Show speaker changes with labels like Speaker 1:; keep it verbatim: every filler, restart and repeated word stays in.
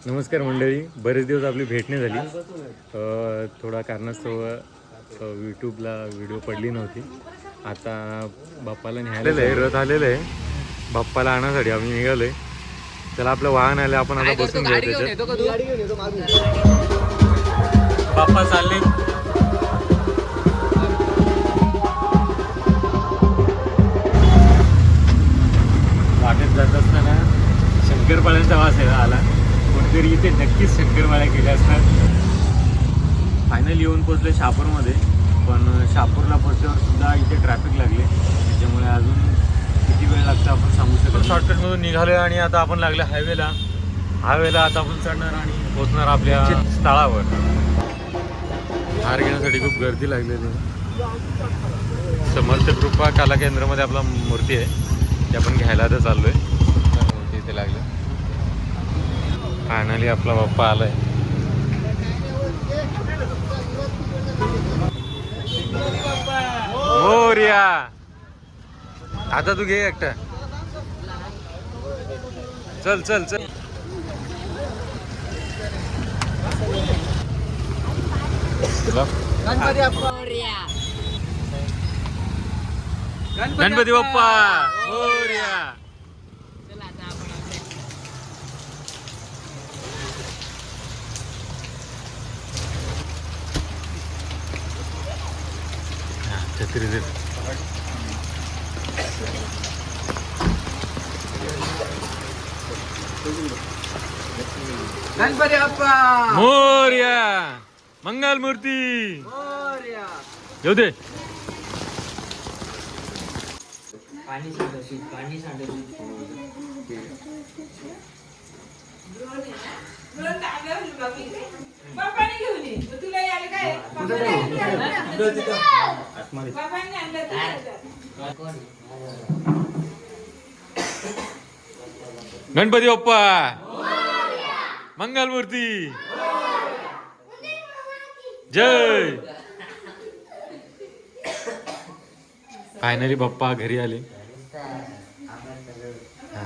Speaker 1: नमस्कार मंडळी, बरेच दिवस आपली भेट नाही झाली. अ, थोडा कारणास्तव यूट्यूबला व्हिडिओ पडली नव्हती. आता बाप्पाला न्यायला आहे, रथ आलेलं आहे. बाप्पाला आणण्यासाठी आम्ही निघालो आहे. त्याला आपलं वाहन आलं, आपण आता बसून घेऊ त्याच्यात. बाप्पा चालले. वाटेत जात असताना शंकरपाळ्यांचा वास आहे आला. कोणतरी इथे नक्कीच शंकरपाळ्या केल्या असतात. फायनली येऊन पोचले शहापूरमध्ये, पण शहापूरला पोचल्यावर सुद्धा इथे ट्रॅफिक लागले. त्याच्यामुळे अजून किती वेळ लागतो आपण सांगू शकतो. शॉर्टकटमधून निघालो आणि आता आपण लागले हायवेला. हायवेला आता आपण चढणार आणि पोचणार आपल्या स्थळावर. हार घेण्यासाठी खूप गर्दी लागलेली. समर्थ कृपा कला केंद्रामध्ये आपला मूर्ती आहे, ते आपण घ्यायला आता चाललोय. मूर्ती इथे लागले. फायनली आपला बाप्पा आलाय. मोरया. आता तू घे एकटा. चल चल चल. गणपती बाप्पा गणपती बाप्पा मोरया. छत्री दे.
Speaker 2: गणपती बाप्पा
Speaker 1: मोरया. मंगल मूर्ती येऊ दे.
Speaker 2: पाणी सांडवशील पाणी सांडवशील
Speaker 1: गणपती बाप्पा मंगल मूर्ती जय. फायनली बाप्पा घरी आले.